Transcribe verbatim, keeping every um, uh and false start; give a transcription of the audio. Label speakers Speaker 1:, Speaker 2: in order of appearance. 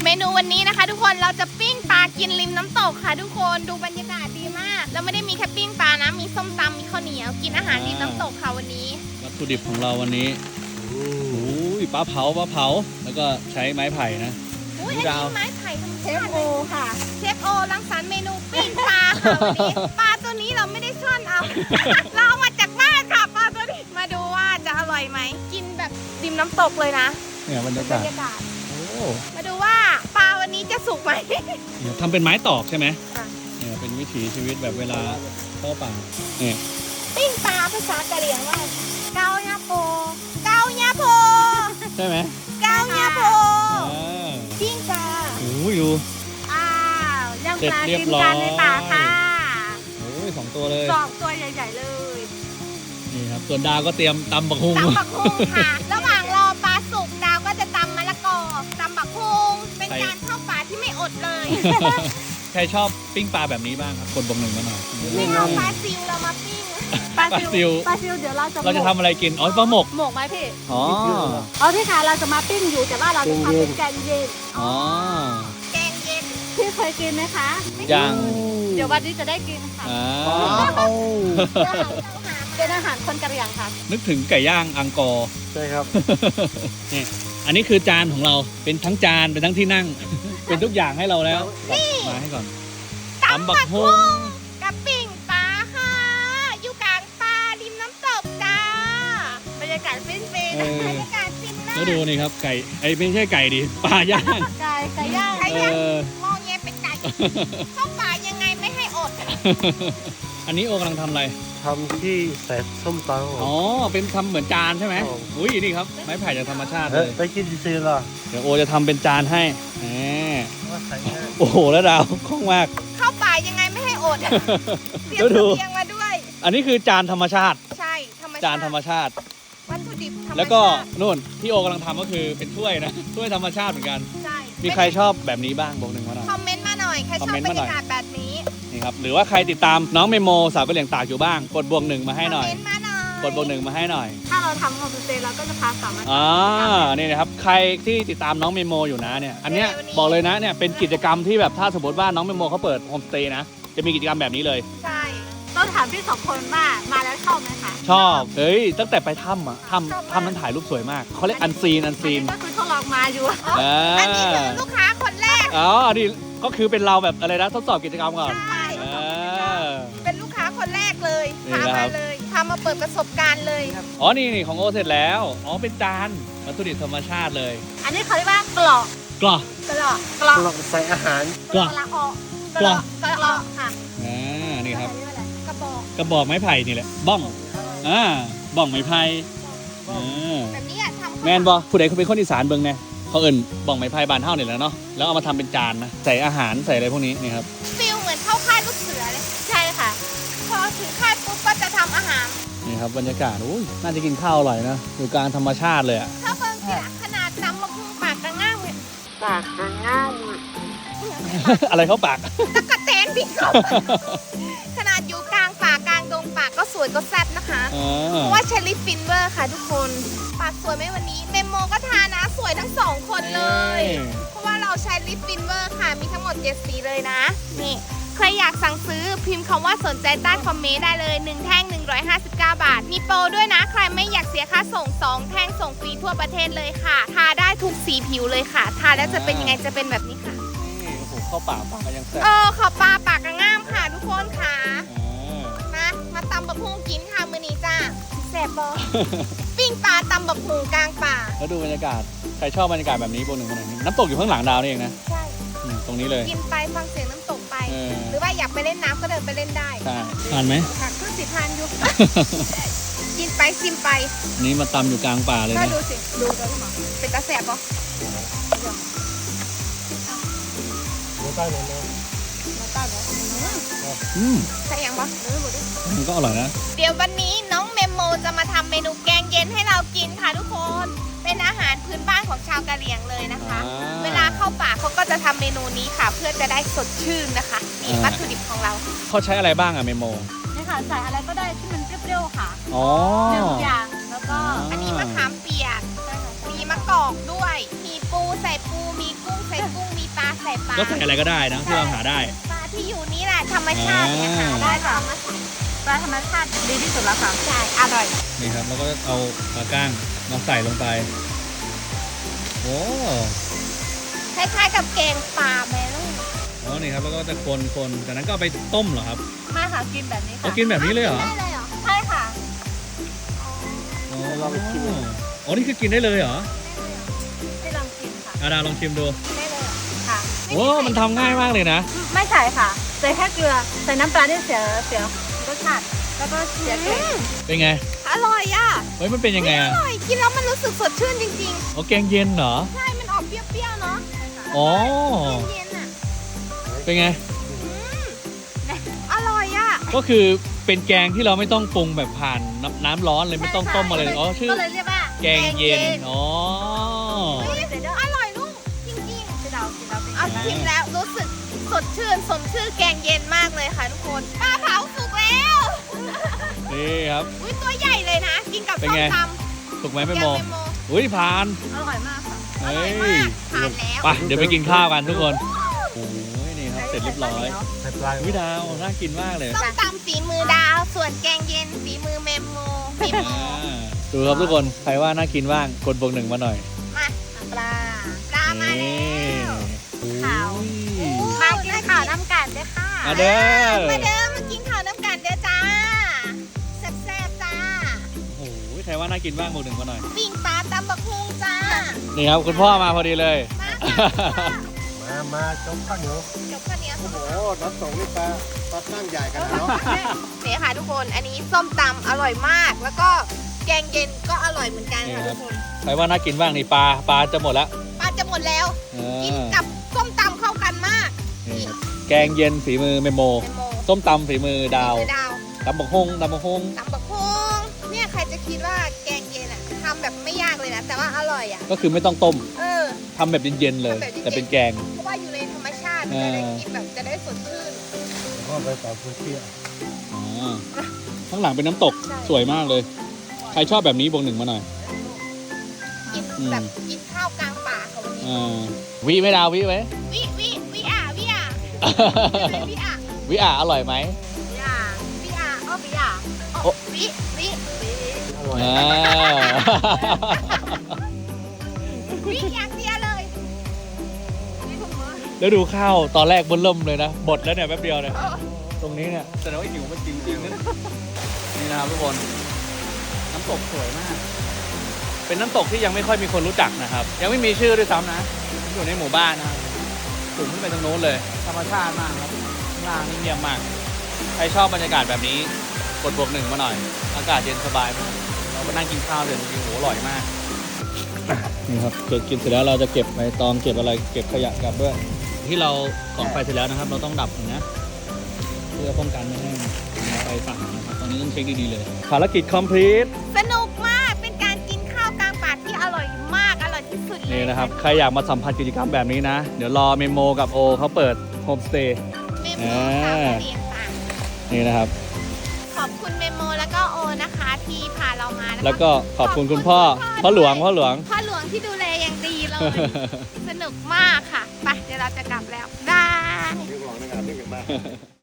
Speaker 1: เมนูวันนี้นะคะทุกคนเราจะปิ้งปลากินริมน้ำตกค่ะทุกคนดูบรรยากาศดีมากเราไม่ได้มีแค่ปิ้งปลานะมีส้มตำมีข้าวเหนียวกินอาหารริมน้ำตกค่ะวันนี้
Speaker 2: วัตถุดิบของเราวันนี้โอ้ยปลาเผาปลาเผาแล้วก็ใช้ไม้ไผ่นะ
Speaker 1: อุ้ยอันนี้ไม้ไผ่ธรรมชาติเลยค่ะเชฟโอรังสรรค์เมนูปิ้งปลาค่ะวันนี้ปลาตัวนี้เราไม่ได้ซ่อนเอา เราเอามาจากบ้านค่ะปลาตัวนี้มาดูว่าจะอร่อยไหมกินแบบริมน้ำตกเลยนะ
Speaker 2: เนี่ยบรรยากาศ
Speaker 1: มาดูว่าปลาวันนี้จะสุกไหม
Speaker 2: ทำเป็นไม้ตอกใช่ไหมเนี่ยเป็นวิถีชีวิตแบบเวลาเข้าป่าเนี่ย
Speaker 1: ปิ้งปลาภาษากะเหรี่ยงว่าเกาญาโพเกาญาโพ
Speaker 2: ใช่ไหม
Speaker 1: เกาญาโพปิ้งปลา
Speaker 2: โอ้ยดู
Speaker 1: อ้าวย่างปลากินกันในป่าค่ะ
Speaker 2: โอ้ยสองตัวเลย
Speaker 1: สองตัวใหญ่ๆเลย
Speaker 2: นี่ครับส่วนดาวก็เตรียมตำบักฮุง
Speaker 1: ตำบักฮุงค่ะระหว่างรอปลาสุกดาวก็จะตำมะละกอตำบักฮุงเป็นการเข้าป่าที่ไม่อดเลย
Speaker 2: ใครชอบปิ้งปลาแบบนี้บ้างครับกดบอกหนึ่งมาหน่อย
Speaker 1: ไม่เอาปลาซิวเรามาปิ้ง
Speaker 2: ปลาซิว
Speaker 1: ปลาซิวเดี๋ยวเราจะ
Speaker 2: เราจะทำอะไรกินอ๋อปลาหมก
Speaker 1: หมกไหมพี่
Speaker 2: อ๋อ
Speaker 1: อ๋อพี่ค่ะเราจะมาปิ้งอยู่แต่ว่าเราจะทำเป็นแกงเย็น
Speaker 2: อ๋อ
Speaker 1: แกงเย็นพี่เคยกินไหมคะ
Speaker 2: ยัง
Speaker 1: เดี๋ยววันนี้จะได้กินค่ะเป็นอาหารคนกะเหรี่ยงค่ะ
Speaker 2: นึกถึงไก่ย่างอังกอร์
Speaker 3: ใช่ครับ
Speaker 2: นี่อันนี้คือจานของเราเป็นทั้งจานเป็นทั้งที่นั่งเป็นทุกอย่างให้เราแล้วมาให้ก่อน
Speaker 1: ตำบักฮุงกับปิ้งปลาค่ะอยู่กลางป่าริมน้ำตกจ้าบรรยากาศฟินๆบรรยากาศฟินมาก
Speaker 2: แล้วดูนี่ครับไก่ไอ้ไม่ใช่ไก่ดิปลาย่าง
Speaker 1: ไก่ไก่ย่างไก่ย่างมองแงเป็นไก่เข้าป่ายังไงไม่ให้อด
Speaker 2: อันนี้โอกำลังทำอะไร
Speaker 3: ทำที่ใส่ส้มตำ
Speaker 2: อ๋อเป็นทำเหมือนจานใช่ไหมอุ้ยนี่ครับไม้ไผ่จากธรรมชาติเลย
Speaker 3: ไปกินซื้อเหรอ
Speaker 2: เดี๋ยวโอจะทำเป็นจานให้แหมโอ้โหแล้วดาวคล่องมาก
Speaker 1: เข้าป่ายังไงไม่ให้อดเตรียมเตียงมาด้วย
Speaker 2: อันนี้คือจานธรรมชาติ
Speaker 1: ใช่ธรรมชาติ
Speaker 2: จานธรรมชาติ
Speaker 1: วัตถุดิบธรรมชาติ
Speaker 2: แล้วก็นู่นที่โอกำลังทำก็คือเป็นถ้วยนะถ้วยธรรมชาติเหมือนกันใช่มีใครชอบแบบนี้บ้างบอกหนึ่งมาหน่อย
Speaker 1: คอมเมนต์มาหน่อยใครชอบบรรยากาศแบบนี้
Speaker 2: นี่ครับหรือว่าใครติดตามน้องเมโมสาวกะเหรี่ยงตากอยู่บ้างกดบวกหนึ่งมาให้หน่อยกดบวกหนึ่งมาให้หน่อย
Speaker 1: ถ้าเราทำโฮมสเตย์เราก็จะพาสามารถ
Speaker 2: อ่านี่นะครับใครที่ติดตามน้องเมโมอยู่นะเนี่ยอันเนี้ยบอกเลยนะเนี่ยเป็นกิจกรรมที่แบบถ้าสมมติว่าน้องเมโมเขาเปิดโฮมสเตย์นะจะมีกิจกรรมแบบนี้เลย
Speaker 1: ใช่ต้องถามพี่สองคนว่ามาแล้วชอบไหมคะ
Speaker 2: ชอบเฮ้ยตั้งแต่ไปถ้ำอ่ะถ้ำถ้ำนั้นถ่ายรูปสวยมากเขาเรียกอันซีนอันซีน
Speaker 1: ก็คือทดลองมาอยู่อันนี้คือลูกค้าคนแรก
Speaker 2: อ๋ออันนี้ก็คือเป็นเราแบบอะไรนะทดสอบกิจกรรมก่อน
Speaker 1: ใช่เป็นลูกค้าคนแรกเลยพามาเลยพามาเปิดประสบการณ์เลย
Speaker 2: อ๋อนี่นี่ของโอเสร็จแล้วอ๋อเป็นจานวัตถุดิบธรรมชาติเลย
Speaker 1: อันนี้เขาเรียกว่ากรอก
Speaker 2: กรอก
Speaker 1: กรอกกรอก
Speaker 3: ใส่อาหาร
Speaker 2: กรอก
Speaker 1: กรอกกรอกค่ะ
Speaker 2: อ่านี่ครับ
Speaker 1: กระบอก
Speaker 2: กระบอกไม้ไผ่นี่แหละบ้องอ่าบ้องไม้ไผ่
Speaker 1: แบบนี้ทำ
Speaker 2: แมนบอผู้ใดเขาเป็นคนอีสานเบิ่งไงเขาเอิ่นบ้องไม้ไผ่บานเท่านี่แหละเนาะแล้วเอามาทำเป็นจานนะใส่อาหารใส่อะไรพวกนี้นี่ครับ
Speaker 1: ฟิลเหมือนเข้าค่ายลูกเสือเลยใช่ค่ะพอถึงค่ายปุ๊บก็จะทำอาหาร
Speaker 2: นี่ครับบรรยากาศโอ้ยน่าจะกินข้าวอร่อยนะอยู่กลางธรรมชาติเลยอะ
Speaker 1: ถ้าเบิ่งสิขนาดน้ำมะพร้าวปากกระง่ามเลย
Speaker 3: ปากกระง่าม
Speaker 2: อะไรเข้าปาก
Speaker 1: ตะกะแตนพี่เขาขนาดอยู่กลางป่ากลางดงป่าก็สวยก็แซ่บนะคะเพราะว่าเชอร์รี่ฟินเวอร์ค่ะทุกคนปากสวยไหมวันนี้เมมโมก็ทานะสวยทั้งสองคนเลยเพราะว่าเราใช้ลิปฟินเวอร์ค่ะมีทั้งหมดเจ็ดสีเลยนะนี่ใครอยากสั่งซื้อพิมพ์คำว่าสนใจใต้คอมเมนต์ได้เลยหนึ่งแท่งหนึ่งร้อยห้าสิบเก้าบาทมีโปรด้วยนะใครไม่อยากเสียค่าส่งสองแท่งส่งฟรีทั่วประเทศเลยค่ะทาได้ทุกสีผิวเลยค่ะทาแล้วจะเป็นยังไงจะเป็นแบบนี้ค่ะ
Speaker 2: เข้าป่าปากยังแซ่บ
Speaker 1: เออขอบปลาปากกระง่ามค่ะทุกคนค่ะมามาตำบะพุงกินค่ะมื้อนี้จ้าแซ่บบอปิ้งปลาตำบะพุงกลางป่า
Speaker 2: แล้วดูบรรยากาศใครชอบบรรยากาศแบบนี้โบหนึ่งโบหนึ่งน้ำตกอยู่ข้างหลังดาวนี่เองนะ
Speaker 1: ใช่
Speaker 2: ตรงนี้เลย
Speaker 1: กินไปฟังเสียงน้ำตกไปหรือว่าอยากไปเล่นน้ำก็เดินไปเล่นได้
Speaker 2: ใช่ทานไหม
Speaker 1: ค่ะคือสิทานอยู่กินไปชิมไป
Speaker 2: นี่มาตำอยู่กลางป่าเลยนะ
Speaker 1: ดูสิดูกันหรอเป็นตาแสบปะ
Speaker 3: ใต้เลยนะ
Speaker 1: ใต้เลย
Speaker 2: อืม
Speaker 1: ใส่ยังปะเออหมดดิ
Speaker 2: มันก็อร่อยนะ
Speaker 1: เดี๋ยววันนี้น้องเมมโมจะมาทำเมนูแกงเย็นให้เรากินค่ะทุกคนเป็นอาหารพื้นบ้านของชาวกะเหรี่ยงเลยนะคะเวลาเข้าป่าเขาก็จะทำเมนูนี้ค่ะเพื่อจะได้สดชื่นนะคะนี่วัตถุดิบของเรา
Speaker 2: เขาใช้อะไรบ้างอะเมมโม
Speaker 1: นี่ค่ะใส่อะไรก็ได้ที่มันเปรี้ยวๆค่ะ
Speaker 2: อ๋อ
Speaker 1: หนึ่งอย่างแล้วก็อันนี้มะขามเปียกมีมะกอกด้วยมีปูใส่ปูมีกุ้งใส่กุ้งมี
Speaker 2: ก็ใส่อะไรก็ได้นะที่เราหาได้
Speaker 1: ปลาที่อยู่นี่แหละธรรมชาติเนี่ยหา
Speaker 2: อ่า
Speaker 1: ได้ค่ะปลาธรรมชาติดีที่สุดแล้วค่ะใช่อร่อย
Speaker 2: นี่ครับแล้วก็เอาปลาก้างมาใส่ลงไปโอ้
Speaker 1: คล้ายๆกับแกงปลาแม่ลูก
Speaker 2: อ๋อนี่ครับแล้วก็จะคนคนจากนั้นก็เอาไปต้มเหรอครับ
Speaker 1: มาค่ะกินแบบนี้ค่ะ
Speaker 2: เขากินแบบนี้เลยเหรอ
Speaker 1: ได้เลยเหรอใช่ค่ะ
Speaker 2: อ๋ออ๋อนี่คือกินได้เลยเหรอ
Speaker 1: ให้ลองกินค่ะ
Speaker 2: อาดาลองชิมดู
Speaker 1: ได้เลยค่ะ
Speaker 2: โอ้มันทำง่ายมากเลยนะ
Speaker 4: ไม่ใส่ค่ะใส่แค่เกลือใส่น้ำปลาที่เสียเสียรสชาติแล้วก็เสียเกลือ
Speaker 2: เป็นไง
Speaker 1: อร่อยอ่ะ
Speaker 2: เฮ้ยมันเป็นยังไง
Speaker 1: อ
Speaker 2: อ่ะ
Speaker 1: ร่อยกินแล้วมันรู้สึกสดชื่นจริง
Speaker 2: อ๋อแกงเย็นเหรอ
Speaker 1: ๆ ใช่มันออกเปรี้ยวๆเนาะ
Speaker 2: อ๋อ
Speaker 1: เย็นๆอ่ะ
Speaker 2: เป็นไง
Speaker 1: อร่อยอ่ะ
Speaker 2: ก็คือเป็นแกงที่เราไม่ต้องปรุงแบบผ่านน้ำน้ำร้อนเลยไม่ต้องต้มอะไรเลยอ๋อชื่อ
Speaker 4: ก็เลยเรียกว่า
Speaker 2: แกงเย็นอ๋อ
Speaker 1: เฮ้ยอร่อยลูกจริงๆ
Speaker 4: ที่เรากินเราเป็น
Speaker 1: เอาชิมแล้วรู้สึกสดชื่นสมชื่อแกงเย็นมากเลยค่ะทุกคนปลาเผาสุกแล้ว
Speaker 2: นี่ครับ
Speaker 1: อุ้ยตัวใหญ่เลยนะ กินกับ
Speaker 2: เป็น
Speaker 1: ส้ม
Speaker 2: ไง
Speaker 1: ต
Speaker 2: ถูกไหม
Speaker 1: ำ
Speaker 2: ไม่
Speaker 1: แก
Speaker 2: โม
Speaker 1: งเมโม
Speaker 2: อุ้ยผ่าน
Speaker 4: อร่อยมากค่ะ
Speaker 1: อร่อย
Speaker 2: เฮ้
Speaker 1: มาย กทานแล้ว
Speaker 2: ไปเดี๋ยวไปกินข้าวกันทุกคนโอ้ยนี่ครับเสร็จเรียบร้อย
Speaker 3: ใส่ปลาย
Speaker 2: วิดาวน่ากินมากเลย
Speaker 1: ส้มตำฝีมือดาว ส่วนแกงเย็นฝีมือเมมโมเมมโม
Speaker 2: อ่าดูครับทุกคนใครว่าน่ากินบ้างกดบวกหนึ่งมาหน่อย
Speaker 1: มา
Speaker 4: ปลา
Speaker 1: ปลามาแล้ว
Speaker 4: ข่าว
Speaker 2: อุ้ย
Speaker 4: มากินข่าวน้ำกันด้วยค่ะ
Speaker 2: มาเด้อ
Speaker 1: มาเด้อมากินข้าวน้ำกันเด้อจ้าแซ่บๆจ้า
Speaker 2: โอ้โหใครว่าน่ากินบ้างบวกหนึ่งมาหน่อย
Speaker 1: ปิ้งปลาตำบักฮุงจ้า
Speaker 2: นี่ครับคุณพ่อมาพอดีเลย
Speaker 1: มาค่ะ
Speaker 3: มามาจมข้าวเหนียว
Speaker 1: จบข้าวเหนียว
Speaker 3: โอ้โหน้ำส่งนี่ปลาปลาตั้งใหญ่กันนะเนาะ
Speaker 1: นี่ค่ะทุกคน อันนี้ส้มตำอร่อยมาก แล้วก็แกงเย็นก็อร่อยเหมือนกันค่ะทุกคน
Speaker 2: ใครว่าน่ากินบ้างนี่ปลาปลาจะหมดแล้ว
Speaker 1: ปลาจะหมดแล้ว
Speaker 2: เอ
Speaker 1: กิน
Speaker 2: อ
Speaker 1: กับส้มตำเข้ากันมาก
Speaker 2: นี่ครับแกงเย็นฝีมือเมโม
Speaker 1: เมโม
Speaker 2: ส้มตำฝีมือดาว
Speaker 1: คือดาว
Speaker 2: ตำบักฮงตำบักฮง
Speaker 1: ตำบักฮงเนี่ยใครจะคิดว่าแกงเย็นอ่ะทำแบบไม่ยากเลยนะ แต่ว่าอร่อยอ่ะ
Speaker 2: ก็คือไม่ต้องต้ม
Speaker 1: เออ
Speaker 2: ทำแบบเย็นๆเลย
Speaker 1: ทำแบบเย็นๆ
Speaker 2: แต่เป็นแกง
Speaker 1: เพราะว่าอยู่ในธรรมชาติมันจะได้กินแบบจะได้สดชื่น
Speaker 3: ก็ไปต่อพื้นที่
Speaker 2: อ๋อข้างหลังเป็นน้ำตก
Speaker 1: ใช่
Speaker 2: สวยมากเลย ใครชอบแบบนี้บวกหนึ่งมาหน่อย
Speaker 1: กิน
Speaker 2: อืม
Speaker 1: แบบกินข้าวกลางป่าของวันนี้
Speaker 2: อ่าวิไหม่ดาววิไหม
Speaker 1: วิวิวิอ่ะวิอ่ะวิอ่ะ
Speaker 2: วิอ่ะอร่อยไหม
Speaker 4: พี่อาพี่อาอ้อพี่อา
Speaker 1: โอ้วิวิวิ
Speaker 3: อร่อย
Speaker 2: อ่า
Speaker 1: วิอย่างเดียวเลย
Speaker 2: แล้วดูข้าวตอนแรกเบิ่มเริ่มเลยนะบดแล้วเนี่ยแป๊บเดียวเนี่ย
Speaker 1: เออ
Speaker 2: ตรงนี้เนี่ยแสดงว่าหิวมันจริงจริงๆนะนี่นะครับทุกคนน้ำตกสวยมาก เป็นน้ำตกที่ยังไม่ค่อยมีคนรู้จักนะครับ ยังไม่มีชื่อด้วยซ้ำนะอยู่ในหมู่บ้านนะครับสูงขึ้นไปตรงโน้นเลย ธรรมชาติมากครับข้างล่างนี่เงียบมาก ใครชอบบรรยากาศแบบนี้กดบวกหนึ่งมาหน่อย อากาศเย็นสบายมากเราไปนั่งกินข้าวเลยจริงๆโหอร่อยมากนี่ครับเกิดกินเสร็จแล้วเราจะเก็บใบตองเก็บอะไรเก็บขยะกลับด้วย ที่เราของไฟเสร็จแล้วนะครับ เราต้องดับก่อนนะ เพื่อป้องกันไม่ให้ไฟป่านะครับตอนนี้ต้องเช็คดีๆเลยภารกิจ complete
Speaker 1: สนุกมากเป็นการกินข้าวกลางป่าที่อร่อยมากอร่อยที่สุดเลย
Speaker 2: นี่นะครับ ใครอยากมาสัมผัสกิจกรรมแบบนี้นะ เดี๋ยวรอเมโมกับโอเขาเปิดโฮมสเตย์
Speaker 1: เมโมค่ะเรียนป่า
Speaker 2: นี่นะครับ
Speaker 1: ขอบคุณเมโมแล้วก็โอนะคะที่พาเรามานะคะ
Speaker 2: แล้วก็ขอบคุณคุณพ่อ พ่อหลวง พ่อหลวง
Speaker 1: พ่อหลวงที่ดูแลอย่างดีเลย สนุกมากค่ะไปเดี๋ยวเราจะกลับแล้วบาย
Speaker 3: เรื่องของนะครับเรื่องกันบ้าง